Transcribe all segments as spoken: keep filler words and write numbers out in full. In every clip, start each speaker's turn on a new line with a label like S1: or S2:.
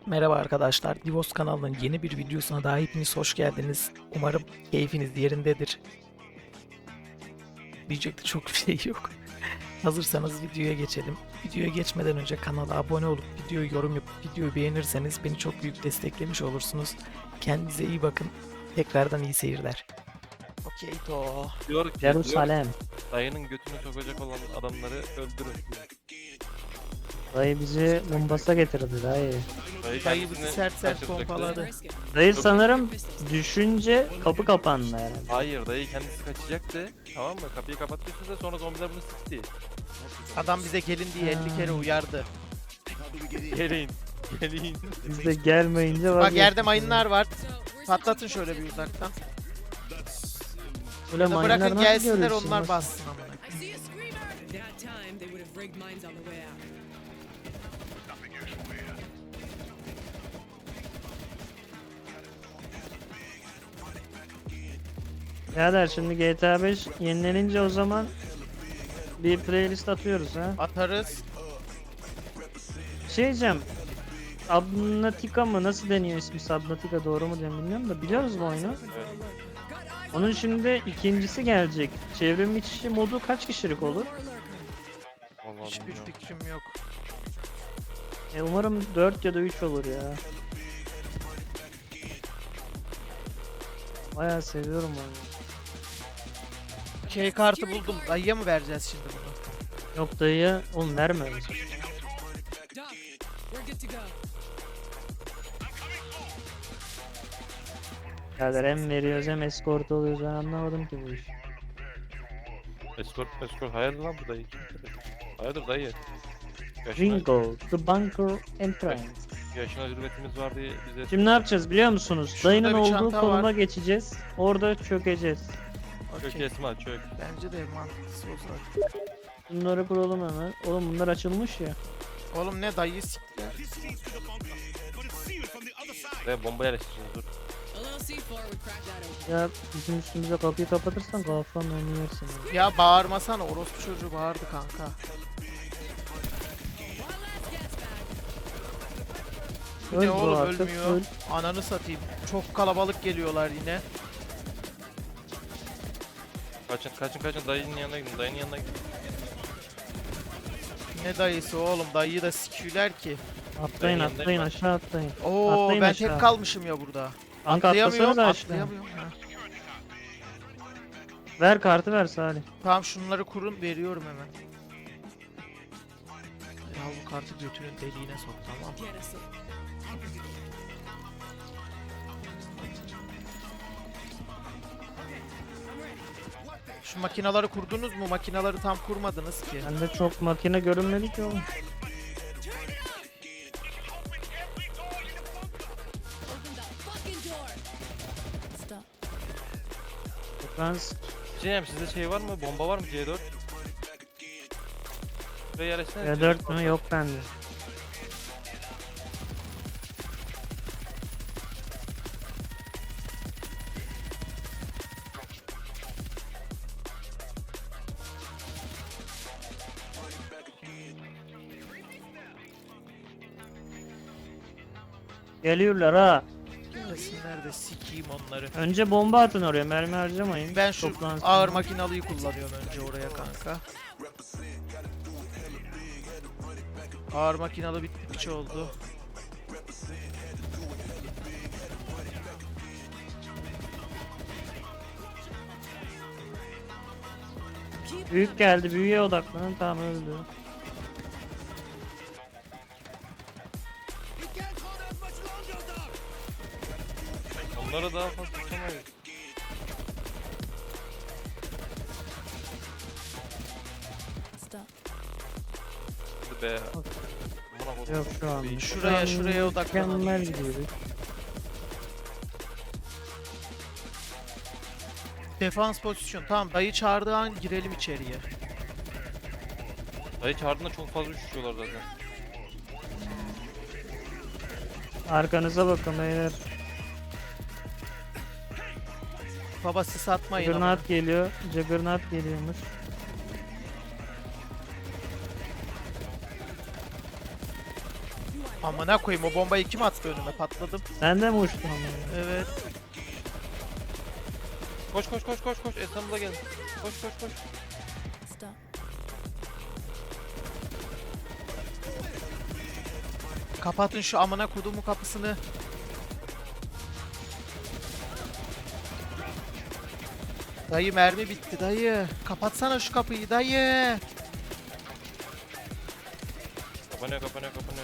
S1: Merhaba arkadaşlar, Divos kanalının yeni bir videosuna daha hepiniz hoş geldiniz. Umarım keyfiniz yerindedir. Diyecek de çok bir şey yok. Hazırsanız videoya geçelim. Videoya geçmeden önce kanala abone olup videoyu yorum yapıp videoyu beğenirseniz beni çok büyük desteklemiş olursunuz. Kendinize iyi bakın. Tekrardan iyi seyirler. Okey to.
S2: Diyor ki,
S3: Jerusalem.
S2: diyor, dayının götünü sokacak olan adamları öldürün.
S3: Dayı bizi Mombasa getirdi dayı.
S2: Dayı,
S1: Dayı
S2: kendisini
S1: bizi sert sert
S2: kaçıracaktı.
S1: pompaladı.
S3: Dayı sanırım düşünce kapı kapandı herhalde.
S2: Hayır, dayı kendisi kaçacaktı. Tamam mı? Kapıyı kapattıysa da sonra zombiler bunu sıktı.
S1: Adam bize gelin diye elli kere uyardı.
S2: Gelin. Gelin.
S3: Biz de gelmeyince
S1: Bak
S3: vazgeçtik.
S1: yerde mayınlar var. Patlatın şöyle bir uzaktan.
S3: Böyle
S1: Ya da
S3: mayınlar
S1: bırakın
S3: nasıl
S1: gelsinler
S3: görüyorsun?
S1: onlar
S3: Nasıl?
S1: bassın amına.
S4: I see a screamer! That time they would have rigged mines on the way out.
S3: Birader şimdi G T A beş yenilenince o zaman bir playlist atıyoruz ha.
S1: Atarız.
S3: Şey diyeceğim. Subnautica mı? Nasıl deniyor ismi? Subnautica doğru mu diye bilmiyorum da biliyoruz bu oyunu. Onun şimdi ikincisi gelecek. Çevrim içi modu kaç kişilik olur?
S2: Vallahi
S1: Hiçbir
S2: bilmiyorum.
S1: fikrim yok.
S3: E umarım dört ya da üç olur ya. Bayağı seviyorum oyunu.
S1: Şey kartı buldum. Dayıya mı vereceğiz şimdi bunu?
S3: Yok dayıya oğlum verme.
S4: Doc, we're good to go.
S3: Birader hem veriyoruz hem escort oluyoruz, ben anlamadım ki bu iş.
S2: Escort, escort. Hayırdır lan bu dayı? Hayırdır dayı? Yaşına,
S3: Ringo, the bunker entrance.
S2: yaşına hürmetimiz var diye bize...
S3: Şimdi ne yapacağız biliyor musunuz?
S1: Şurada
S3: Dayının
S1: bir
S3: olduğu
S1: çanta
S3: konuma
S1: var.
S3: geçeceğiz. Orada çökeceğiz.
S2: Çök
S1: Okey.
S2: Esma çök.
S1: Bence de mantıklısı o zaten.
S3: Bunları kuralım hemen. Oğlum bunlar açılmış ya.
S1: Oğlum ne dayı sikti.
S2: Ve bomba yerleştireceğiz dur.
S4: A little C four would crack that open.
S3: Ya bizim üstümüze kapıyı kapatırsan kafanla onu yersin. ya.
S1: Ya bağırmasana, orospu çocuğu bağırdı kanka. Bu
S3: Öl
S1: ne
S3: bu
S1: oğlum
S3: artık,
S1: ölmüyor.
S3: öl.
S1: Ananı satayım. Çok kalabalık geliyorlar yine.
S2: Kaçın kaçın kaçın dayının yanına gidin dayının yanına gidin.
S1: Ne dayısı oğlum, dayıyı da sikiyorlar ki.
S3: Atlayın
S2: Ben
S3: atlayın
S2: yanındayım
S3: aşağı atlayın.
S1: Oo
S3: Atlayın
S1: ben
S3: aşağı.
S1: tek kalmışım ya burada.
S3: Kanka
S1: Atlayamıyorum,
S3: atlasana da aşağı.
S1: atlayamıyorum. Ha.
S3: Ver kartı ver Salih.
S1: Tamam şunları kurun, veriyorum hemen. Ya bu kartı götünün deliğine sok, tamam.
S4: Get us in.
S1: Şu makinaları kurdunuz mu? Makinaları tam kurmadınız ki.
S3: Bende çok makine görünmedi ki oğlum.
S4: Open the fucking door! Stop.
S3: Ben
S2: Cem sizde şey var mı? Bomba var mı C dört? Buraya yerleşsene.
S3: C dört mü? Yok bende. Geliyorlar ha.
S1: Gelsinler de sikeyim onları.
S3: Önce bomba atın oraya, mermi harcamayın.
S1: Ben şu
S3: Toplansın.
S1: ağır makinalıyı kullanıyorum önce oraya kanka. Ağır makinalı bitti piç oldu.
S3: Büyük geldi, büyüye odaklanın, tamam öldü.
S2: Onları daha fazla tutamayız.
S4: Stop.
S2: Hadi be. Amına kodum.
S3: Yok şu an.
S1: Şuraya,
S3: Şu an
S1: şuraya odaklanalım.
S3: Mükemmel gidiyoruz.
S1: Defans pozisyon. Tamam dayı çağırdığı an girelim içeriye.
S2: Dayı çağırdığında çok fazla üşüşüyorlar zaten.
S3: Arkanıza bakın beyler.
S1: Baba sis atmayın ama.
S3: Juggernaut geliyor. Juggernaut geliyormuş.
S4: You are
S1: Amına koyayım, o bombayı kim attı önüme, patladım.
S3: Sen de mi uçtun ama?
S1: Evet.
S2: Koş koş koş koş koş. İstanbul'a gel. Koş koş koş.
S5: Stop.
S1: Kapatın şu amına kodumu kapısını. Dayı mermi bitti dayı. Kapatsana şu kapıyı dayı.
S2: Kapanıyor kapanıyor kapanıyor.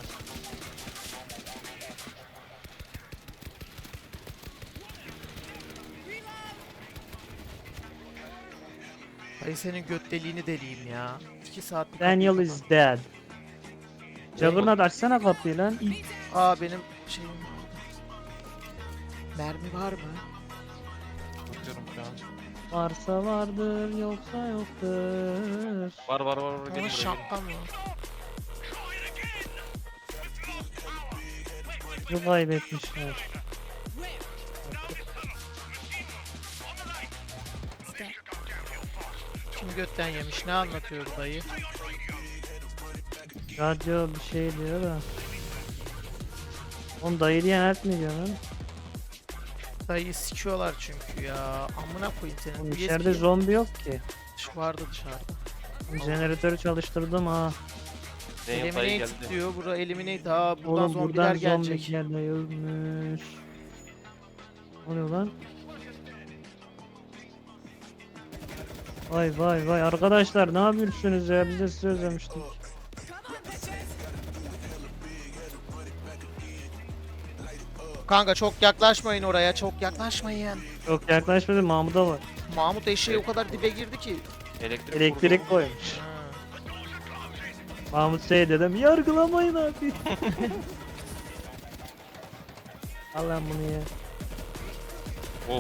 S1: Dayı senin göt deliğini deliyim ya. iki saat bir
S3: Daniel
S1: kapıyı
S3: is dead. Juggernaut açsana kapıyı lan.
S1: kapat- Aa benim şeyim. Mermi var mı?
S2: Bakıyorum şu an.
S3: Varsa vardır yoksa yoktur.
S2: Var var var var. Gelin
S1: Ama
S2: buraya gelin.
S1: şapka mı?
S3: Bu kaybetmişler.
S5: Stop.
S1: Kim götten yemiş? Ne anlatıyor bu dayı?
S3: Radyo bir şey diyor da. Oğlum dayı diyenert mi diyor lan?
S1: Dayı sikiyorlar çünkü ya. Amına koyayım senin.
S3: Oğlum
S1: U S B
S3: içeride zombi yok ki.
S1: vardı dışarıda.
S3: Jeneratörü çalıştırdım ha.
S2: Daniel dayı
S1: Eliminate
S2: geldi.
S1: diyor. Bura eliminate. Aa buradan
S3: Oğlum
S1: zombiler
S3: buradan
S1: gelecek.
S3: zombi geliyormuş. Ne oluyor lan? Vay vay vay arkadaşlar ne yapıyorsunuz ya, biz de sizi özlemiştik.
S1: Kanka çok yaklaşmayın oraya. Çok yaklaşmayın.
S3: Çok yaklaşmadı, Mahmut'a var.
S1: Mahmut eşeği o kadar dibe girdi ki.
S2: Elektrik,
S3: Elektrik
S2: vurdu.
S3: koymuş.
S1: Ha.
S3: Mahmut şey dedim, yargılamayın abi. Al lan bunu ya.
S2: Of.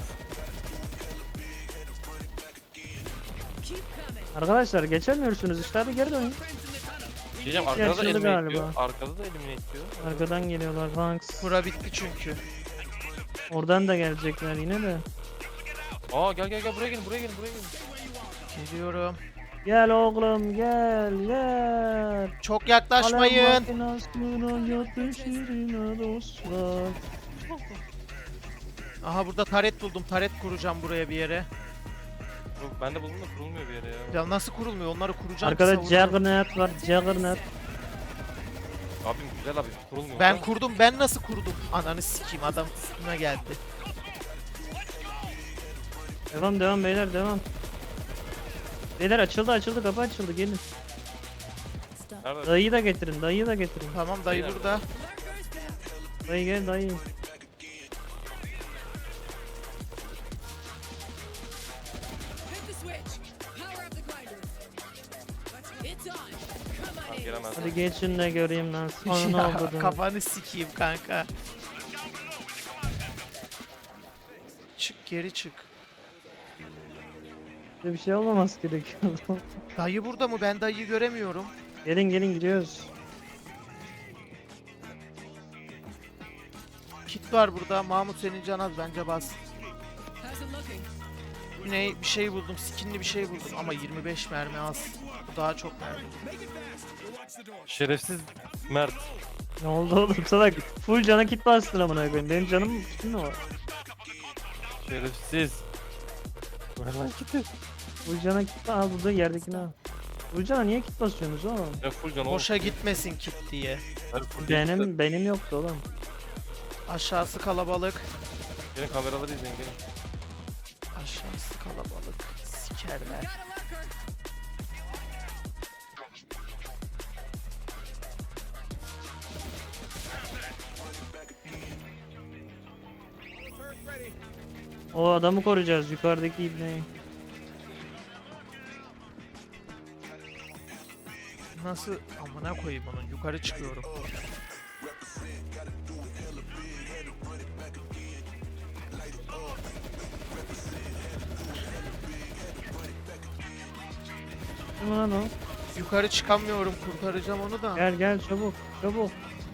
S4: Keep coming.
S3: Arkadaşlar geçemiyorsunuz işte, hadi geri dönün.
S2: Diyeceğim arkada da
S3: Yaşlı
S2: eliminate
S3: galiba.
S2: diyor. Arkada da eliminate diyor.
S3: Arkadan geliyorlar Banks.
S1: Bura bitti çünkü.
S3: Oradan da gelecekler yine de.
S2: Aa gel gel gel buraya gelin buraya gelin buraya gelin.
S1: Geliyorum.
S3: Gel oğlum gel gel.
S1: Çok yaklaşmayın.
S3: Alem makinasına yapışırına dostlar.
S1: Aha burada taret buldum. Taret kuracağım buraya bir yere.
S2: Dur, ben de buldum da kurulmuyor bir yere ya.
S1: Ya nasıl kurulmuyor? Onları kuracağım.
S3: Arkada
S1: savuracağım.
S3: Juggernaut var, Juggernaut.
S2: Abim güzel abi kurulmuyor.
S1: Ben
S2: da.
S1: kurdum. Ben nasıl kurdum? Ananı sikeyim. Adam üstüme geldi.
S3: Devam devam beyler devam. Beyler açıldı açıldı, kapı açıldı, gelin.
S5: Stop.
S2: Nerede?
S3: Dayıyı da getirin, dayıyı da getirin.
S1: Tamam dayı
S2: Beyler.
S1: burada.
S3: Dayı gel dayı.
S4: Hit the switch. Power up the grinder. It's on. Come on
S2: Tamam,
S4: in.
S2: gelemez.
S3: Hadi geçin de göreyim lan. Sonra ne
S1: Ya,
S3: oldu?
S1: kafanı sikeyim kanka. Çık geri çık.
S3: Bir şey olmaması gerekiyor.
S1: Dayı burada mı? Ben dayıyı göremiyorum.
S3: Gelin gelin gidiyoruz.
S1: Kit var burada. Mahmut senin can az. Bence bas.
S4: How's it looking?
S1: Ne bir şey buldum. Skinli bir şey buldum. Ama yirmi beş mermi az. Bu daha çok mermi.
S2: Şerefsiz Mert.
S3: Ne oldu oğlum salak? Full cana kit bastın amına koyayım. Benim canım kitim mi var?
S2: Şerefsiz. Ver lan kiti.
S3: Full cana kit al, burada yerdekini al. Full cana niye kit basıyorsunuz oğlum?
S2: Ya full can oğlum.
S1: Boşa gitmesin kit diye.
S2: Ver full can.
S3: Benim benim yoktu oğlum.
S1: Aşağısı kalabalık.
S2: Gelin kameraları izleyin gelin.
S1: Aşağısı kalabalık. Sikerler.
S4: Got a lurker.
S3: O adamı koruyacağız, yukarıdaki ibneyi.
S1: Nasıl amına koyayım onun, yukarı çıkıyorum.
S3: Kim lan o?
S1: Yukarı çıkamıyorum, kurtaracağım onu da.
S3: Gel gel çabuk çabuk.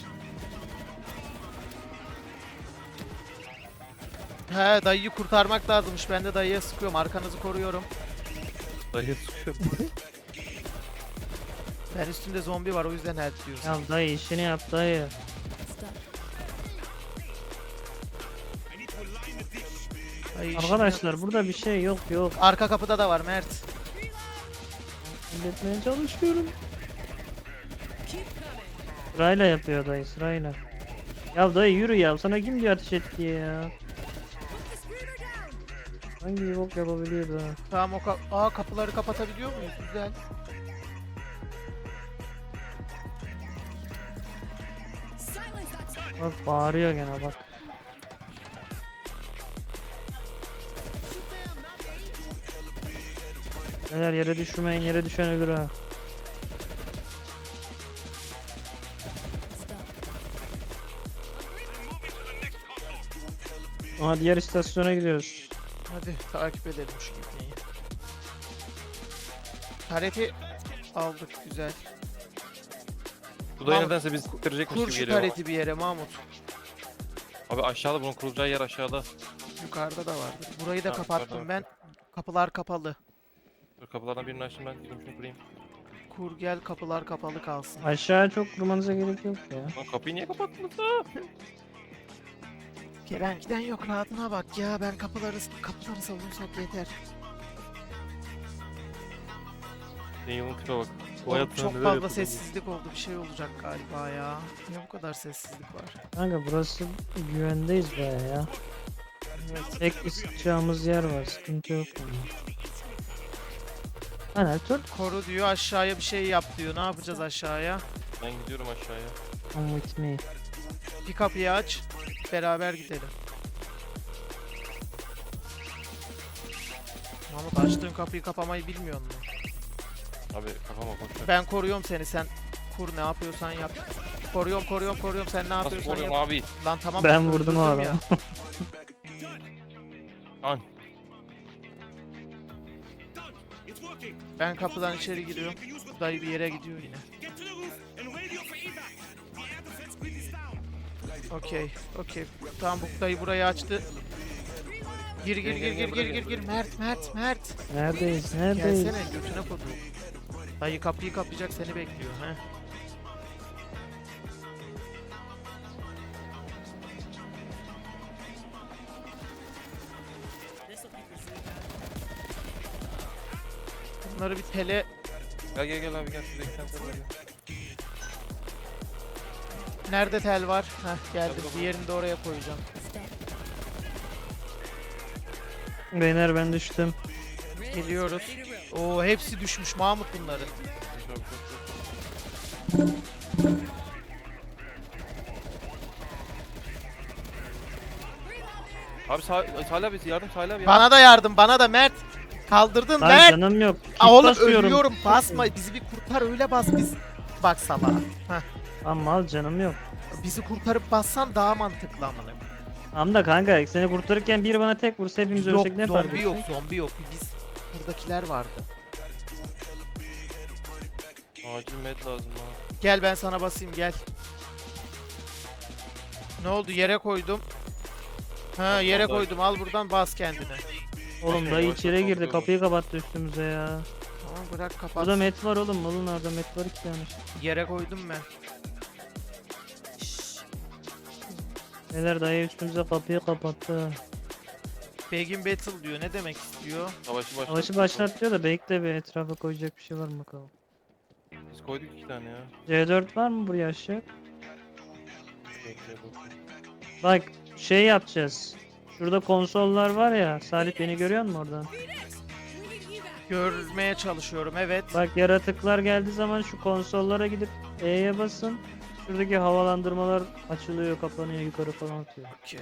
S1: He dayıyı kurtarmak lazımmış. Ben de dayıya sıkıyorum. Arkanızı koruyorum.
S2: Dayı sıkıyor.
S1: Ben üstünde zombi var o yüzden help diyorsun.
S3: Ya dayı işini yap dayı.
S1: Ay, işim
S3: Arkadaşlar burada bir şey yok yok.
S1: yok. Arka kapıda da var Mert.
S3: Halletmeye çalışıyorum.
S4: Keep coming.
S3: Sırayla yapıyor dayı sırayla. Ya dayı yürü ya, sana kim diyor ateş et diye ya.
S4: Put the screamer down.
S3: Hangi bir bok yapabiliyor da.
S1: Tamam o ka Aa, kapıları kapatabiliyor muyuz? Güzel.
S4: Silence that time.
S3: Bak bağırıyor gene bak. Neler yere düşmeyin, yere düşen ölür ha.
S5: Stop.
S3: Aha diğer istasyona gidiyoruz.
S1: Hadi takip edelim şu gitmeyi. Tareti aldık güzel.
S2: Bu da
S1: Mahmut,
S2: nedense bizi siktirecekmiş
S1: Kur
S2: gibi
S1: şu
S2: geliyor.
S1: tareti bir yere Mahmut.
S2: Abi aşağıda, bunun kurulacağı yer aşağıda.
S1: Yukarıda da vardır. Burayı da
S2: Ha,
S1: kapattım
S2: yukarıda
S1: ben. Kapılar kapalı.
S2: Dur, kapılardan birini açtım ben. Gidip şunu kurayım.
S1: Kur gel kapılar kapalı kalsın.
S3: Aşağı çok durmanıza gerek yok ya.
S2: Lan kapıyı niye kapattınız ha?
S1: Gelen giden yok, rahatına bak ya, ben kapıları kapıları savunsak yeter.
S2: Daniel'ın tipe bak. Bu
S1: Oğlum,
S2: hayatında
S1: çok
S2: neler
S1: fazla
S2: yapıldı.
S1: sessizlik oldu, bir şey olacak galiba ya. Niye bu kadar sessizlik var?
S3: Kanka burası güvendeyiz baya ya.
S1: Evet.
S3: Tek isteyeceğimiz yer var, sıkıntı yok. Yani. Hani tut.
S1: Koru diyor, aşağıya bir şey yap diyor. Ne yapacağız aşağıya?
S2: Ben gidiyorum aşağıya.
S3: Come with me.
S1: Bir kapıyı aç, beraber gidelim. Mahmut, açtığın kapıyı kapamayı bilmiyor musun?
S2: Abi kafama boş ver.
S1: Ben koruyorum seni, sen kur, ne yapıyorsan yap. Koruyorum koruyorum koruyorum, sen ne
S2: Nasıl
S1: yapıyorsan
S2: koruyorum
S1: yap.
S2: abi?
S1: Lan tamam,
S3: Ben vurdum o
S1: öldürdüm ya.
S3: adamı.
S2: An.
S1: Ben kapıdan içeri giriyorum. Dayı bir yere gidiyor yine. Okey, okey. Tamam, bu dayı burayı açtı. Gir gir gir gir gir gir gir. Mert Mert Mert.
S3: Neredeyiz? Neredeyiz?
S1: Gelsene, götüne kodu. Dayı kapıyı kapayacak, seni bekliyor he. Bunları bir tele
S2: Gel gel gel abi gel. Şurada iki tane tel var ya.
S1: Nerede tel var? Heh, geldim.
S2: Tabii, tabii.
S1: Diğerini de oraya koyacağım.
S5: Stop.
S3: Beyler ben düştüm.
S1: Geliyoruz. Oo, hepsi düşmüş Mahmut bunların.
S2: Çok, çok, çok. Abi Sa Salih abi yardım, Salih abi yardım.
S1: Bana da yardım, bana da Mert. Kaldırdın
S3: Lan
S1: Mert.
S3: canım yok. Kit
S1: Aa, oğlum
S3: basıyorum.
S1: ölüyorum. Basma. Bizi bir kurtar, öyle bas biz. Bak salağa. Heh.
S3: Ama al canım yok.
S1: Bizi kurtarıp bassan daha mantıklı amına.
S3: Ama da kanka seni kurtarırken biri bana tek vursa hepimiz
S1: Yok,
S3: ölsek ne fark
S1: zombi
S3: eder?
S1: yok, zombi yok. Biz buradakiler vardı.
S2: Acil med lazım ha.
S1: Gel ben sana basayım, gel. Ne oldu? Yere koydum. Ha, yere
S2: Tamam,
S1: koydum. Al buradan, bas kendine.
S3: Oğlum
S2: Okey,
S3: dayı
S2: yavaş
S3: içeri
S2: yavaş
S3: girdi,
S2: topluyorum.
S3: kapıyı kapattı üstümüze ya.
S1: Tamam, bırak kapat.
S3: Burada met var oğlum, malın orada met var iki tane.
S1: Yere koydum ben.
S3: Neler dayı üstümüze kapıyı kapattı.
S1: Begin Battle diyor. Ne demek istiyor?
S2: Savaşı başlat.
S3: Savaşı başlat diyor da bekle bir etrafa koyacak bir şey var mı bakalım.
S2: Biz koyduk iki tane ya.
S3: C dört var mı buraya aşağı?
S2: Bekle bakayım.
S3: Bak şey yapacağız. Şurada konsollar var ya. Salih beni görüyor musun oradan?
S1: Görmeye çalışıyorum, evet.
S3: Bak yaratıklar geldiği zaman şu konsollara gidip E'ye basın. Şuradaki havalandırmalar açılıyor, kapanıyor, yukarı falan atıyor.
S1: Okey.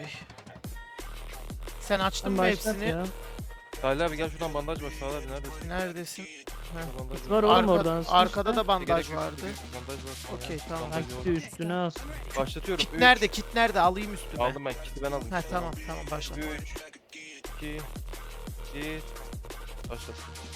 S1: Sen açtın
S3: Sen
S1: mı
S3: başlat
S1: hepsini?
S3: ya.
S2: Salih abi gel şuradan bandaj bak, Salih abi neredesin?
S1: Neredesin?
S2: Şurada bandaj
S3: Var
S2: var.
S3: oğlum
S1: Arka-
S3: oradan.
S1: arkada da
S2: Gerek
S1: bandaj
S2: yok,
S1: vardı.
S2: gerek yok. Bandaj var. sana
S1: Okey,
S2: ya.
S1: tamam.
S2: Bandaj
S3: Gitti
S2: var.
S3: üstüne as.
S2: Başlatıyorum.
S1: Kit
S2: Üç.
S1: nerede? Kit nerede? Alayım üstüme.
S2: Aldım ben, kiti ben aldım.
S1: Ha tamam tamam, başla.
S2: üç, iki, bir, başlat.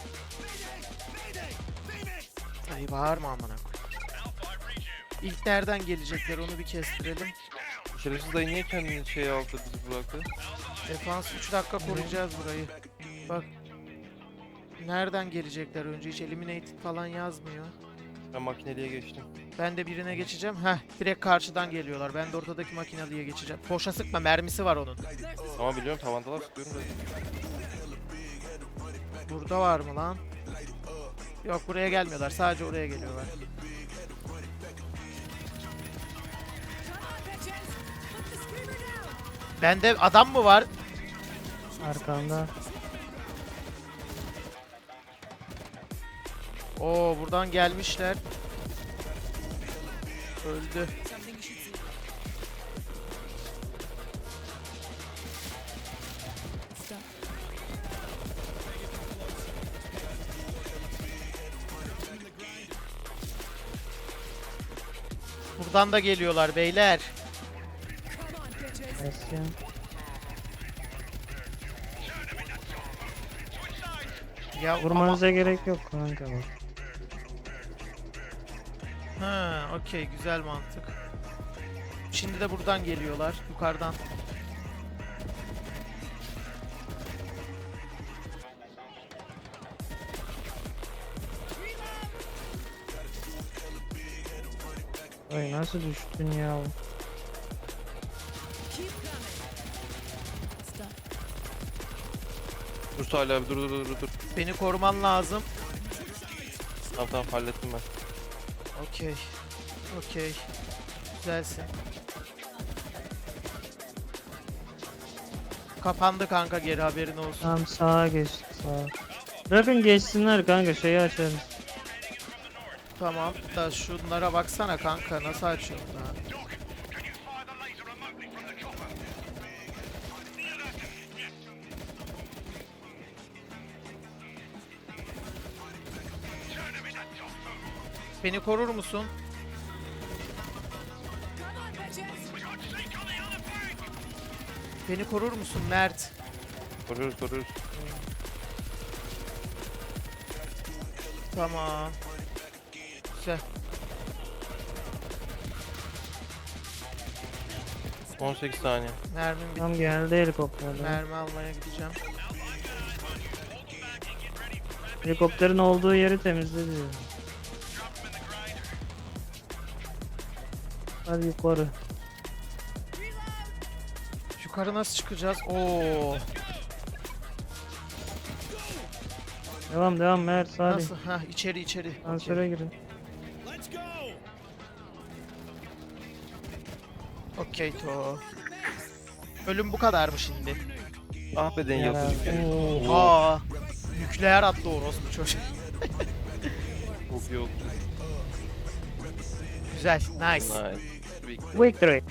S1: Ay bağırma amına koy. İlk nereden gelecekler, onu bir kestirelim.
S2: Şerefsiz dayı niye kendini şey aldı, bizi bıraktı?
S1: Defans üç dakika koruyacağız burayı. Bak. Nereden gelecekler önce, hiç eliminated falan yazmıyor.
S2: Ben makineliye geçtim.
S1: Ben de birine geçeceğim. Heh, direkt karşıdan geliyorlar. Ben de ortadaki makinalıya geçeceğim. Boşa sıkma, mermisi var onun.
S2: Ama biliyorum tavandalar sıkıyorum da.
S1: Burada var mı lan? Yok, buraya gelmiyorlar. Sadece oraya geliyorlar.
S4: Come on, bitches! Put the screamer down!
S1: Bende adam mı var?
S3: Arkamda.
S1: Oo, buradan gelmişler. Öldü.
S4: Something you should see.
S5: Stop.
S1: Buradan da geliyorlar beyler.
S4: Come on, bitches!
S3: Basıyorum.
S1: Ya ama-
S3: Vurmanıza gerek yok kanka bak.
S1: Ha, okey, güzel mantık. Şimdi de buradan geliyorlar, yukarıdan.
S3: Ay nasıl düştün ya?
S4: Keep coming!
S5: Stop.
S2: Dur Salih abi dur dur dur dur.
S1: Beni koruman lazım.
S2: Tamam tamam hallettim ben.
S1: Okey. Okey. Güzelsin. Kapandı kanka, geri haberin olsun.
S3: Tamam sağa geçtik sağa. Bırakın geçsinler kanka şeyi açarız.
S1: Tamam da şunlara baksana kanka, nasıl açıyorsun ha? Beni korur musun?
S4: Come on, bitches!
S1: Beni korur musun Mert?
S2: Koruyoruz koruyoruz.
S1: Tamam. Güzel.
S2: on sekiz saniye.
S1: Mermim bitti.
S3: Tam geldi helikopterden.
S1: Mermi almaya gideceğim.
S3: Helikopterin olduğu yeri temizle diyor. Hadi yukarı.
S1: Yukarı nasıl çıkacağız? Oo.
S3: Devam devam Mert Salih.
S1: Nasıl? Ha, içeri içeri. Okey.
S3: Asansöre girin.
S1: Okey to. Ölüm bu kadar mı şimdi?
S2: Ah be den yapıcı.
S1: Oha. Nükleer attı orospu çocuk.
S2: Çok iyi oldu.
S1: Güzel. Nice.
S2: Nice.
S3: Victory.